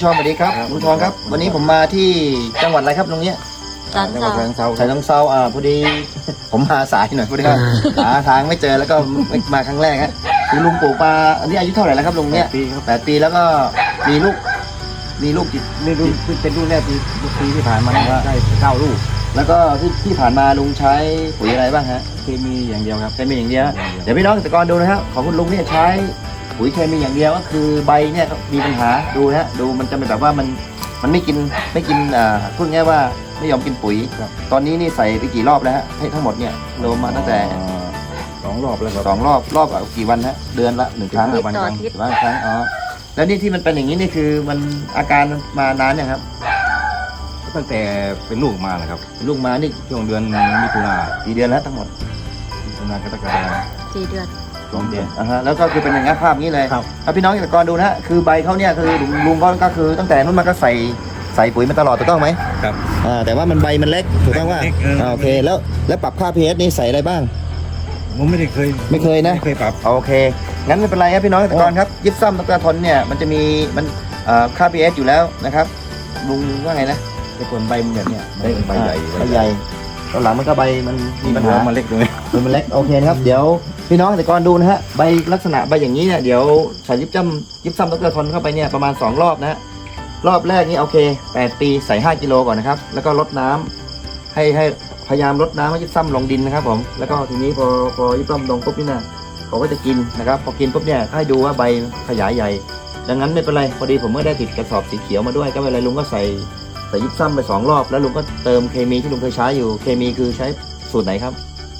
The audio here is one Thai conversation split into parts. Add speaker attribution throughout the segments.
Speaker 1: ชอนสวัสดีครับลุงชอนครับวันนี้ผมมาที่จังหวัดอะไรครับตรงนี้
Speaker 2: จังหวัดฉะเชิงเทรา
Speaker 1: ฉะเชิงเทราพอดี ผมมาสายหน่อยพอดีว่าหาทางไม่เจอแล้วก็ไม่มาครั้งแรกฮะคือลุงปลูกปลาอันนี้อายุเท่าไหร่แล้วครับลุงเนี่ย8 ปีแล้วก็มีลูกกี่
Speaker 2: นี่รุ่นเป็นรุ่นแรกปีที่ผ่านมาได้9 ลูก
Speaker 1: แล้วก็ที่ผ่านมาลุงใช้ปุ๋ยอะไรบ้างฮะ
Speaker 2: เคมีอย่างเดียวครับ
Speaker 1: เคมีอย่างเดียวเดี๋ยวพี่น้องเกษตรกรดูนะครับของคุณลุงเนี่ยใช้ปุ๋ยเคมีอย่างเดียวก็คือใบเนี่ยมีปัญหาดูนะฮะดูมันจะเป็นแบบว่ามันไม่กินพูดง่ายว่าไม่ยอมกินปุ๋ยตอนนี้นี่ใส่ไปกี่รอบแล้วฮะให้ทั้งหมดเนี่ยรวมมาตั้งแต่
Speaker 2: 2 รอบแล้วครับ
Speaker 1: 2 รอบกี่วันฮะเดือนละ1 ครั้ง
Speaker 2: วันค
Speaker 1: รั้งอ๋อแล้วนี่ที่มันเป็นอย่างนี้นี่คือมันอาการมานานยังครับ
Speaker 2: ตั้งแต่เป็นลูกมานะครับ
Speaker 1: ลูกมานี่
Speaker 2: ช่วงเดือนมิถุนา
Speaker 1: กี่เดือนแล้วทั้งหมด
Speaker 2: มิถุนากรกฎาคม
Speaker 3: 4 เดือน
Speaker 1: 2 เดือนแล้วก็คือเป็นอย่างนี้ภาพนี้เลยถ้าพี่น้องเกษตรกรดูนะฮะคือใบเขาเนี่ยคือลุงก็คือตั้งแต่นู้นมาก็ใส่ปุ๋ยมาตลอดถูกต้องไหม
Speaker 2: ครับ
Speaker 1: แต่ว่ามันใบมันเล็กถูกต้องว่าโอเคแล้วปรับค่า pH นี่ใส่อะไรบ้าง
Speaker 2: ผมไม่เคยนะ
Speaker 1: ไม่เคยปรับโอเคงั้นไม่เป็นไรครับพี่น้องเกษตรกรครับยิปซัมตะกร้าทนเนี่ยมันจะมีค่า pH อยู่แล้วนะครับลุงว่าไงนะ
Speaker 2: แต่ผลใบมันแบบเนี้ยใบใหญ่
Speaker 1: ตอนหลังมันก็ใบมันมีปัญหา
Speaker 2: มันเล็กเลย
Speaker 1: มันเล็กโอเคนะครับเดี๋ยวพี่น้องเกษตรกรดูนะฮะใบลักษณะใบอย่างนี้เนี่ยเดี๋ยวใส่ยิปซัมตะกร้าทนเข้าไปเนี่ยประมาณ2 รอบนะฮะรอบแรกนี่โอเค8 ปีใส่5 กิโลก่อนนะครับแล้วก็ลดน้ำให้พยายามลดน้ำให้ยิปซัมลงดินนะครับผมแล้วก็ทีนี้พอยิปซัมลงปุ๊บนี่นะเขาก็จะกินนะครับพอกินปุ๊บเนี่ยให้ดูว่าใบขยายใหญ่ดังนั้นไม่เป็นไรพอดีผมก็ได้ติดกระสอบสีเขียวมาด้วยก็ไม่เป็นไรลุงก็ใส่ยิปซัมไป2 รอบแล้วลุงก็เติมเคมีที่ลุงเคยใช้อยู่เคมีคือใช้สูตรไหนครับ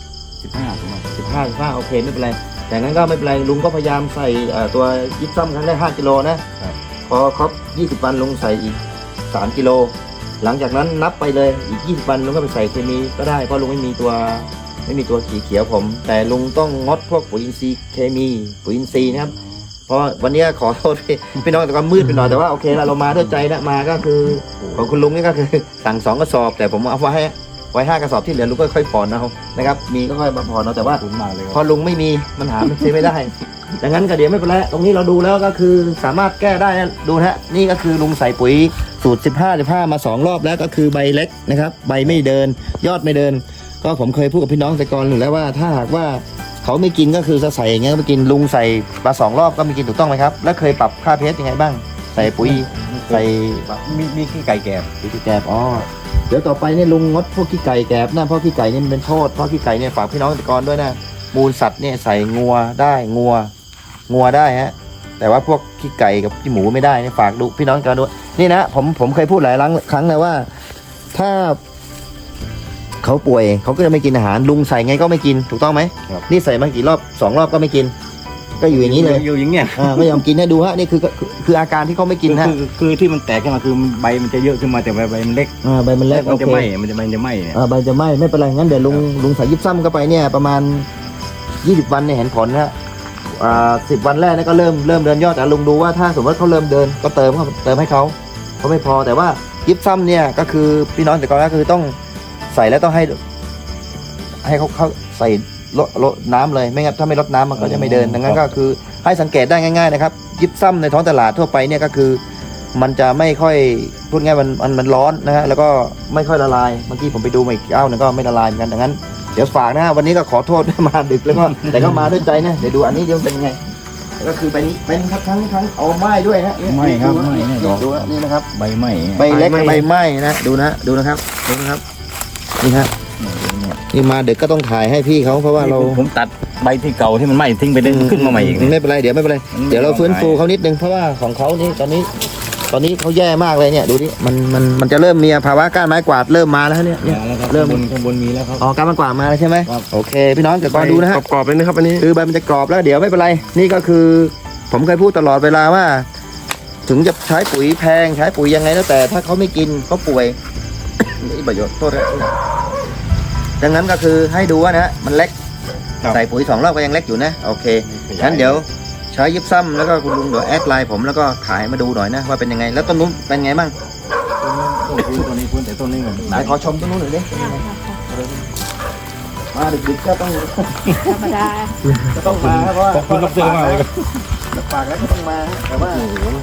Speaker 1: 15โอเคไม่เป็นไรแต่งั้นก็ไม่เป็นไรลุงก็พยายามใส่ตัวยิปซัมครั้งแรก5 กิโลนะพอครบ20 วันลุงใส่อีก3 กิโลหลังจากนั้นนับไปเลยอีก20 วันลุงก็ไปใส่เคมีก็ได้เพราะลุงไม่มีตัวสีเขียวผมแต่ลุงต้องงดพวกปุ๋ยอินทรีย์เคมีปุ๋ยอินทรีย์นะครับเพราะวันนี้ขอโทษพี่น้องแต่ก็มืดไปหน่อยแต่ว่าโอเคแล้วเรามาด้วยใจนะมาก็คือของคุณลุงนี่ก็คือสั่ง2 กระสอบแต่ผมเอาไว้5 กระสอบที่เหลือลุงก็ค่อยผ่อนเอานะครับมีก็ค่อยมาผ่อนเอาแต่ว่าพอลุงไม่มีมันหาซื้อไม่ได้ดังนั้นก็เดี๋ยวไม่เป็นไรตรงนี้เราดูแล้วก็คือสามารถแก้ได้นะดูนะนี่ก็คือลุงใส่ปุ๋ยสูตร15มา2 รอบแล้วก็คือใบเล็กนะครับใบไม่เดินยอดไม่เดินก็ผมเคยพูดกับพี่น้องเกษตรกรอยู่แล้วว่าถ้าหากว่าเขาไม่กินก็คือจะใส่อย่างเงี้ยไม่กินลุงใส่มา2 รอบก็ไม่กินถูกต้องไหมครับแล้วเคยปรับค่า pH ยังไงบ้างใส่ปุ๋ยใส่
Speaker 2: มีขี้ไก่แกบ
Speaker 1: อ๋อเดี๋ยวต่อไปเนี่ยลุงงดพวกขี้ไก่แกบนะเพราะขี้ไก่เนี่ยมันเป็นโทษเพราะขี้ไก่เนี่ยฝากพี่น้องเกษตรกรด้วยนะมูลสัตว์เนี่ยใส่งัวได้ฮะแต่ว่าพวกขี้ไก่กับขี้หมูไม่ได้เนี่ยฝากดูพี่น้องกันด้วยนี่นะผมเคยพูดหลายครั้งแล้วว่าถ้าเขาป่วยเขาก็จะไม่กินอาหารลุงใส่ไงก็ไม่กินถูกต้องไหมนี่ใส่มากี่รอบ2 รอบก็ไม่กินก็อยู่อย่างนี้เลย
Speaker 2: อยู่อย่างเงี้ย
Speaker 1: ไม่ยอมกินให้ดูฮะนี่คืออาการที่เขาไม่กินฮะ
Speaker 2: คือที่มันแตกขึ้นมาคือใบมันจะเยอะขึ้นมาแต่ใบมันเล็ก
Speaker 1: ใบมันเล็ก
Speaker 2: มันจะไหม้มันจะไหม้เนี่ย
Speaker 1: ใบจะไหม้ไม่เป็นไรงั้นเดี๋ยวลุงใส่ยิปซัมเข้าไปเนี่ยประมาณ20 วันเนี่ยเห็นผลนะ10 วันแรกนี่ก็เริ่มเดินยอดแต่ลุงดูว่าถ้าสมมติเขาเริ่มเดินก็เติมให้เขาไม่พอแต่ว่ายิปซัมเนี่ยก็คือพี่น้องแต่ก่อนก็คือต้องใส่แล้วต้องให้เขาใส่ลดน้ำเลยไม่งั้นถ้าไม่ลดน้ำมันก็จะไม่เดินดังนั้นก็คือให้สังเกตได้ง่ายๆนะครับยิปซัมในท้องตลาดทั่วไปเนี่ยก็คือมันจะไม่ค่อยพูดง่ายมันร้อนนะฮะแล้วก็ไม่ค่อยละลายเมื่อกี้ผมไปดูมาอีกนึงก็ไม่ละลายเหมือนกันดังนั้นเดี๋ยวฝากนะวันนี้ก็ขอโทษมาดึกแล้วก็แต่ก็มาด้วยใจนะเดี๋ยวดูอันนี้เดี๋ยวเป็นไงก็คือใบนี้เป็นครับทั้งเอาไม้ด้วยฮะ
Speaker 2: ไม่ครับไม่
Speaker 1: ดูนี่นะครับ
Speaker 2: ใบไม้
Speaker 1: ใบเล็กใบไม้นะดูนะครับนี่ฮะนี่มาเด็กก็ต้องถ่ายให้พี่เขาเพราะว่าเรา
Speaker 2: ผมตัดใบที่เก่าที่มันไหม้ทิ้งไปขึ้นมาใหม่อีก
Speaker 1: ไม่เป็นไรเดี๋ยวเราฟื้นฟูเขานิดนึงเพราะว่าของเขานี่ตอนนี้เขาแย่มากเลยเนี่ยดูดิมันจะเริ่มมีภาวะก้านไม้กวาดเริ่มมาแล้วเนี่ย
Speaker 2: เริ่มข้างบนมีแล้วครับ
Speaker 1: ก้านไม้กวาดมาแล้วใช่ไหมโอเคพี่น้องเดี๋ยวก่อนดูนะฮะ
Speaker 4: กรอบเลยนะครับอันนี้
Speaker 1: คือใบมันจะกรอบแล้วเดี๋ยวไม่เป็นไรนี่ก็คือผมเคยพูดตลอดเวลาว่าถึงจะใช้ปุ๋ยแพงใช้ปุ๋ยยังไงแล้วแต่ถ้าเขาไม่กินเขาป่วยนี่ประโยชน์โทษนะดังนั้นก็คือให้ดูว่านะมันเล็กใส่ปุ๋ย2 รอบก็ยังเล็กอยู่นะโอเคงั้นเดี๋ยวใช้ยิปซัมแล้วก็คุณลุงเดี๋ยวแอดไลน์ผมแล้วก็ถ่ายมาดูหน่อยนะว่าเป็นยังไงแล้วต้นนู้นเป็นไงบ้าง
Speaker 2: ต้นนี้แต่ต้นนี้เหมือน
Speaker 1: ไหนขอชมต้นนู้นหน่อยดิมาดึกๆก็ต้อง
Speaker 3: ธรรมดา
Speaker 1: ก็ต้องมาเพราะว่า
Speaker 2: ขอบคุณรับเจอมากเลย
Speaker 1: ฝากแล้วก็ต้องมาแต่ว่า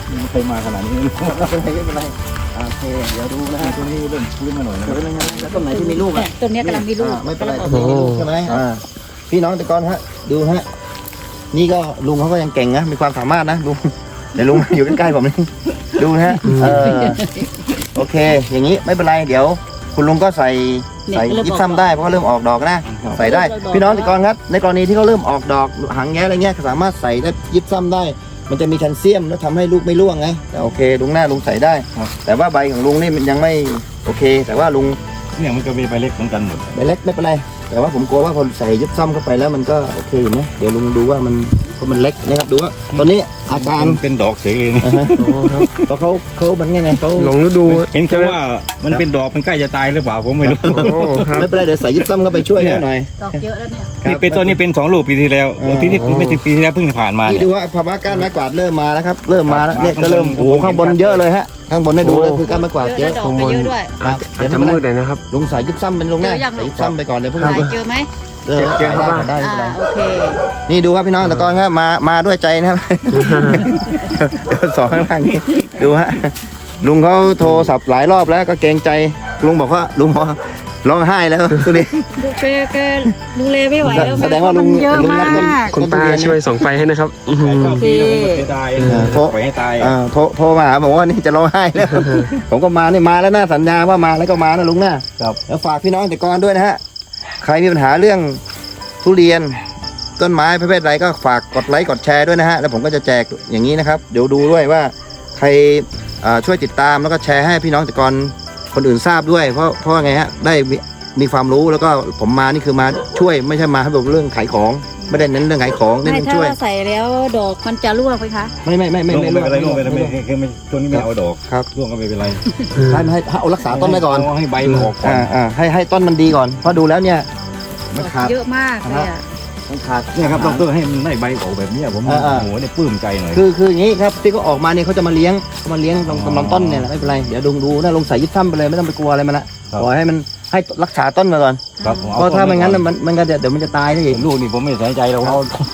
Speaker 2: ไม่เคยมาขนาดนี้
Speaker 1: ไม่เป็นไรโอเคเดี๋ยวดูนะฮะ
Speaker 2: ตัวนี้เริ่มฟื้นมาหน่อยนะ
Speaker 1: เดี๋ยวนะฮะแล้วต้นไหนที่มีลูก
Speaker 3: เนี่
Speaker 1: อ่ะ
Speaker 3: ยต้นเนี้ยกำลังมีลูก
Speaker 1: ไม่เป็นไร
Speaker 3: กำลัง
Speaker 1: ต้
Speaker 3: อน อก
Speaker 1: นี้มีลูกใช่ไหมพี่น้องแต่ก่อนฮะดูฮะนี่ก็ลุงเขาก็ยังเก่งนะมีความสามารถนะลุงเดี๋ยวลุงอยู่ใกล้ๆผมนี่ดูนะฮะโอเค อย่างนี้ไม่เป็นไรเดี๋ยว คุณลุงก็ใส่ยิบซ้ำได้เพราะเขาเริ่มออกดอกนะใส่ได้พี่น้องแต่ก่อนครับในกรณีที่เขาเริ่มออกดอกหางแย้อะไรเงี้ยสามารถใส่ได้ยิบซ้ำได้ มันจะมีแคลเซียมแล้วทำให้ลูกไม่ร่วงไงแต่โอเคลุงหน้าลุงใส่ได้ แต่ว่าใบของลุงนี่มันยังไม่โอเค แต่ว่าลุง
Speaker 2: เนี่ยมันก็มีใบเล็กเหมือนกันหมด
Speaker 1: ใบเล็กไม่เป็นไรแต่ว่าผมกลัวว่าพอใส่ยิบซ้ำเข้าไปแล้วมันก็โอเคอยู่นะเดี๋ยวลุงดูว่ามันเพราะมันเล็กนะครับดูว่าตอนนี้อาการ
Speaker 2: เป็นดอกเสรี
Speaker 1: อ่าฮะเพราะเขามันไงเขา
Speaker 4: หลงฤดู
Speaker 2: เห็นแค่ว่ามันเป็นดอกมันใกล้จะตายหรือเปล่าผมไม่รู้
Speaker 4: โอ้ครับ
Speaker 1: ไม่เป็นไรเดี๋ยวใส่ยิบซ้ำเข้าไปช่วยเขาหน่อย
Speaker 3: ดอกเยอะแล้วเนี่ย
Speaker 2: นี่เป็นตัวนี้เป็น2 ลูกปีที่แล้วที่ไม่ถึงปีที่แล้วเพิ่งผ่านมา
Speaker 1: นี่
Speaker 2: เนี่ย
Speaker 1: ดูว่าภาวะก้านไม้กวาดเริ่มมาแล้วครับเริ่มมาแล้วเนี่ย
Speaker 2: ข้างบน
Speaker 1: ก็เริ่มโอ้โหข้างบนเยอะเลยฮะข้างบนได้ดูเลยคือก้านไม้กวาด
Speaker 3: เย
Speaker 1: เย
Speaker 3: อะ
Speaker 1: อะ
Speaker 3: แล้วดอกไปเยอะด้วย
Speaker 1: ครับ
Speaker 4: อาจจะมืดเลยนะครับ
Speaker 1: ลุงใส่ยิบซ้ำเป็นลุงแน่
Speaker 3: เจอยัง
Speaker 1: ใส่ยิบซ้ำไปก่อนเดี๋ยวเพิ่ง
Speaker 3: หายเจอไหม
Speaker 4: เจอครับว่า
Speaker 1: ได้ไม่เป็นไร
Speaker 3: โอเค
Speaker 1: นี่ดูครับพี่น้องแต่ก่อนครับมาด้วยใจนะครับ สองข้างล่างนี่ดูฮะลุงเขาโทรศัพท์หลายรอบแล้วก็เกรงใจลุงบอกว่าลุงบอกว่าร้องไห้แล้วตัวนี้
Speaker 3: ดูแกดูแลไม่ไหวแล้ว
Speaker 1: แสดงว่าลุง
Speaker 3: เยอะ
Speaker 1: ลุง
Speaker 3: มา
Speaker 1: รัก
Speaker 3: ก
Speaker 4: คุณป้าช่วยส่งไฟให้นะครับอื้อหือ
Speaker 2: ชอบดีแล้วผมไม่ตายปล่อยให้ตาย
Speaker 1: โทรมาหาบอกว่านี่จะร้องไห้แล้ว ผมก็มานี่มาแล้วนะสัญญาว่ามาแล้วก็มานะลุงนะครับ แล้วฝากพี่น้องแต่ก่อนด้วยนะฮะใครมีปัญหาเรื่องทุเรียนต้นไม้ประเภทใดก็ฝากกดไลค์กดแชร์ด้วยนะฮะแล้วผมก็จะแจกอย่างนี้นะครับเดี๋ยวดูด้วยว่าใครช่วยติดตามแล้วก็แชร์ให้พี่น้องแต่ก่อนคนอื่นทราบด้วยเพราะว่าไงฮะได้มีความรู้แล้วก็ผมมานี่คือมาช่วยไม่ใช่มาให้บอกเรื่องขายของไม่ได้เน้นเรื่องขายของเน้น
Speaker 3: ไม่
Speaker 1: เรื่อง
Speaker 3: ถ้า
Speaker 1: ช่วย
Speaker 3: เราใส่แล้วดอกมันจะร่วงไหมคะ
Speaker 1: ไม่
Speaker 2: ร่วงไม่เป็นไรร่วงไม่เป็นไร
Speaker 1: ไม่
Speaker 2: คือไม่ตัวนี้ไม่เอาดอก
Speaker 1: ครับ
Speaker 2: ร่วงก็ไม่เป็นไร
Speaker 1: ให้เอารักษาต้นไว้ก่อน
Speaker 2: ให้ใบมันออกก่อน
Speaker 1: ให้ต้นมันดีก่อนเพราะดูแล้วเนี่ยมันขาด
Speaker 3: เยอะมากเลยอ่ะ
Speaker 1: มันขาด
Speaker 2: เนี่ยครับดรให้มันได้ใบออกแบบเนี้ยผมโอ้โหเนี่ยปลื้มใจหน่อย
Speaker 1: คืออย่างนี้ครับที่เขาออกมาเนี่ยเขาจะมาเลี้ยงตรงลำต้นเนี่ยแหละไม่เป็นไรเดี๋ยวดูนะลงใส่ยิบซ้ำไปเลยไม่ต้องไปกลัวอะไรมันละปล่อยให้มันให้รักษาต้นมาก่อน
Speaker 2: ครับ
Speaker 1: เพราะถ้าไม่งั้นมันก็เดี๋ยวมันจะตายได้อีก
Speaker 2: ลูกนี่ผมไม่ใส่ใจเราเอา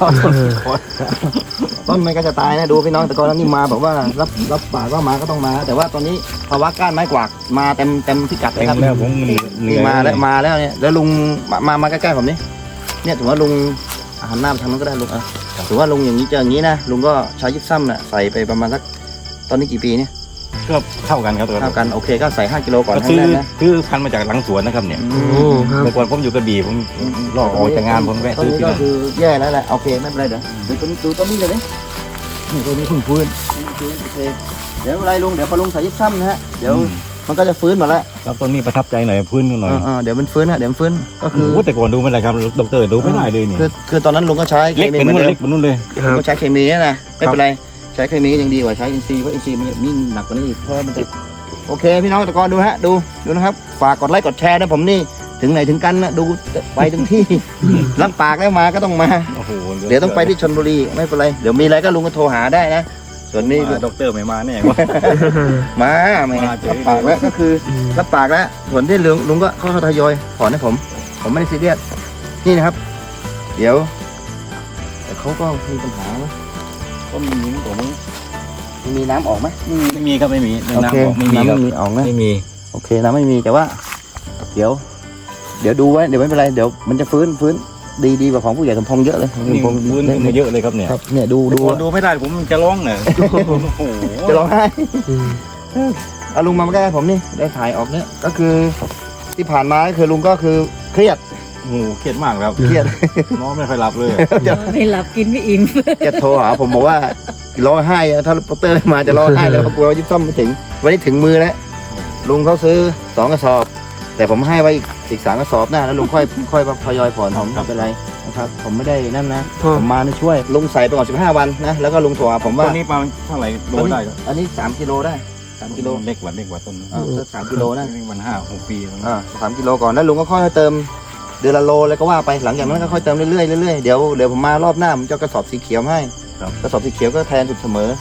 Speaker 1: ต้นมันก็จะตายนะดูพี่น้องแต่ก่อนนี่มาแบบว่ารับปากว่ามาก็ต้องมา แต่ว่าตอนนี้ภาวะก้านไม้กวาดมาเต็มพิกัดเลย
Speaker 2: เต็
Speaker 1: ครับ
Speaker 2: มแล้วผมเหนื่
Speaker 1: นี่
Speaker 2: อย
Speaker 1: มาแล้วเนี่ยแล้วลุงมาใกล้ๆผมนี่เนี่ยถือว่าลุงหันหน้าไปทางนั้นก็ได้ลุงอ่ะถือว่าลุงอย่างนี้เจออย่างนี้นะลุงก็ใช้ยิบซ้ำน่ะใส่ไปประมาณสักตอนนี้กี่ปีเนี่ย
Speaker 2: ก็เท่ากันครับ
Speaker 1: เท่ากันโอเคก็ใส่5 กิโลก่อน
Speaker 2: ก็
Speaker 1: ครั้งแรกนะ
Speaker 2: ซื้อพันธุ์มาจากหลังสวนนะครับเนี่ย
Speaker 1: อื
Speaker 4: โอ้
Speaker 1: ม
Speaker 4: ครับ
Speaker 2: เมื่อก่อนผมอยู่กระบี่ผมรอออกจากงานผมแวะ
Speaker 1: ตอน
Speaker 2: ซื้อ
Speaker 1: นี้
Speaker 2: ที่
Speaker 1: ก็
Speaker 2: นั่น
Speaker 1: คือแย่แล้วแหละโอเคไม่เป็นไรเดี๋ยวดูต้นนี้เลยดินี่ตัวนี้เพิ่งฟื้นโอเคเดี๋ยวอะไรลุงเดี๋ยวพอลุงใส่ยิบซ้ำนะฮะเดี๋ยวมันก็จะฟื้นหมดแล้ว
Speaker 2: ครับต้นนี้ประทับใจหน่อยพื้นหน่อย
Speaker 1: เดี๋ยวมันฟื้นฮะเดี๋ยวมันฟื้นก็คือ
Speaker 2: โอ้แต่ก่อนดูไม่ได้ครับดรดูไม่ได้เลยนี่
Speaker 1: คือตอนนั้นลุงก็ใช้เค
Speaker 2: เล็ก
Speaker 1: มี
Speaker 2: เป็น
Speaker 1: เหมือน
Speaker 2: นู่น
Speaker 1: เดิม
Speaker 2: เล็กเป็นนู่นเลย
Speaker 4: ครับ
Speaker 1: ก็ใช้เคมีนะไม่เป็นไรใช้เคมีก็ยังดีกว่าใช้อินทรีย์เพราะอินทรีย์มันยิ่งหนักกว่านี้อีกเพราะมันจะโอเคพี่น้องตะกอนดูฮะดูนะครับฝากกดไลค์กดแชร์นะผมนี่ถึงไหนถึงกันนะดูไปถึงที่ รับปากแล้วมาก็ต้องมา
Speaker 2: โอ้โห
Speaker 1: เดี๋ยวต้องไปที่ชลบุรีไม่เป็นไรเดี๋ยวมีอะไรก็ลุงก็โทรหาได้นะส่วนนี้
Speaker 2: ดรไม่มาแน่ว่า
Speaker 1: มาไม่
Speaker 2: มาเฉย
Speaker 1: รับปากแล้วก็คือรับปากแล้วส่วนที่ลุงก็เข้าทยอยถอนให้ผมไม่ได้ซีเรียสนี่นะครับ เดี๋ยวแต่เขาก็มีปัญหานะก็มีนิ้มตัวนี้มีน้ำออกไหม
Speaker 2: ไม่มีครับไม่มี
Speaker 1: โอเค
Speaker 2: น้ำไม่มีครับ
Speaker 1: น้ำไม่มีออกนะ
Speaker 2: ไม่มี
Speaker 1: โอเคน้ำไม่มีแต่ว่า เดี๋ยวดูไว้เดี๋ยวไม่เป็นไรเดี๋ยวมันจะฟื้นดีกว่าของผู้ใหญ่สมพงษ์เยอะเลย
Speaker 2: นี่พื้นขึ้นมาเยอะเลยครับเนี่ย
Speaker 1: ครับเนี่ยดู
Speaker 2: ดูไม่ได้ผมจะร้องเนี่ยโอ้โห
Speaker 1: จะร้องไห้
Speaker 4: อืม
Speaker 1: เอาลุงมาใกล้ๆผมนี่ได้ถ่ายออกเนี่ยก็คือที่ผ่านมาก็คือลุงก็คือเครียด
Speaker 2: โอ้โหเครียดมากครับ
Speaker 1: เครียด
Speaker 2: นอนไม่ค่อยหลับเลย
Speaker 3: ไม่หลับกินไม่อิ่ม
Speaker 1: จะโทรหาผมบอกว่าร้องไห้อะถ้าโปสเตอร์ไม่มาจะร้องไห้แล้วเพราะกลัวยิบซ่อมไม่ถึงวันนี้ถึงมือแล้วลุงเขาซื้อ2 กระสอบ แต่ผมให้ไว้อีก3 กระสอบหน้าแล้วลุงค่อยทยอยผ่อนผมไม่เป็นไรนะครับผมไม่ได้นั่นนะ
Speaker 4: พ่อ
Speaker 1: ผมมาช่วยลุงใส่ไปก่อน15 วันนะแล้วก็ลุงโทรหาผม
Speaker 2: ต
Speaker 1: ว่า
Speaker 2: อนนี้ประมาณเท่าไหร่โลได้ครับ
Speaker 1: อันนี้3 กิโลได้3 กิโล
Speaker 2: เล็กกว่าต้น
Speaker 1: สัก3 กิโลนะ
Speaker 2: มัน5-6 ปี
Speaker 1: 3 กิโลก่อนแล้วลุงก็ค่อยเติมเดือนละโลแล้วก็ว่าไปหลังจากนั้นก็ค่อยเติมเรื่อยๆเดี๋ยวผมมารอบหน้าผมจะเอากระสอบสีเขียวให้กระสอบสีเขียวก็แทนสุดเสมอ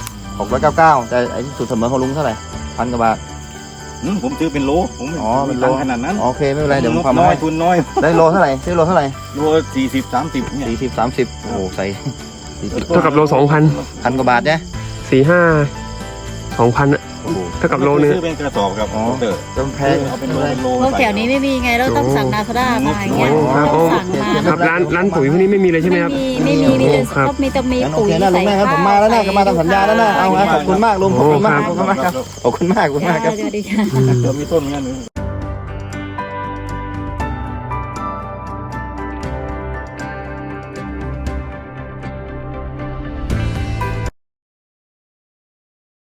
Speaker 1: 699แต่ไอ้สุดเสมอของลุงเท่าไหร่1,000 กว่าบาท
Speaker 2: ผมซื้อเป็นโลผมไม่
Speaker 1: เป็นโล
Speaker 2: ตังค์ขนาดนั้น
Speaker 1: โอเคไม่เป็นไรเดี๋ยวผมทำ
Speaker 2: น้อย
Speaker 1: ให้
Speaker 2: ทุนน้อย
Speaker 1: ได้โลเท่าไหร่ซื้อโลเท่าไหร่
Speaker 2: โล40-30เนี่ย
Speaker 1: 40-30โอ้ใส่40
Speaker 4: เท่ากับโล2,000
Speaker 1: 1,000 กว่าบาทเนี่ย
Speaker 4: 4-5 2,000อะเท่ากับโลนึง
Speaker 2: ซื้อเป็นกระสอบครับเตอร์
Speaker 1: จำแพง
Speaker 2: เอาเป็นโล
Speaker 3: พวกแถวนี้ไม่มีไงเราต้องสั่งนาซาด้ามาอย่างเงี้ย
Speaker 4: โอ้ครับ
Speaker 3: ต้องสั่งมา
Speaker 4: ครับร้านปุ๋ยพวกนี้ไม่มีเลยใช่ไหมครับ
Speaker 3: ไม่มีมีแต่
Speaker 4: ครับ
Speaker 3: ก็มีแต่มี
Speaker 1: งั้นโอ
Speaker 3: ปุ๋ย
Speaker 1: เคนะลุงแม่ครับผมมาแล้วนะก็มาตามสัญญาแล้วนะเอาฮะขอบคุณมากลุงขอบคุณมาก
Speaker 4: โอ้
Speaker 1: ขอบคุณมากครับขอบคุณมากขอบคุณมากครับ
Speaker 3: สวัสดีค่ะ
Speaker 2: เดี๋ยวมีต้นงั้น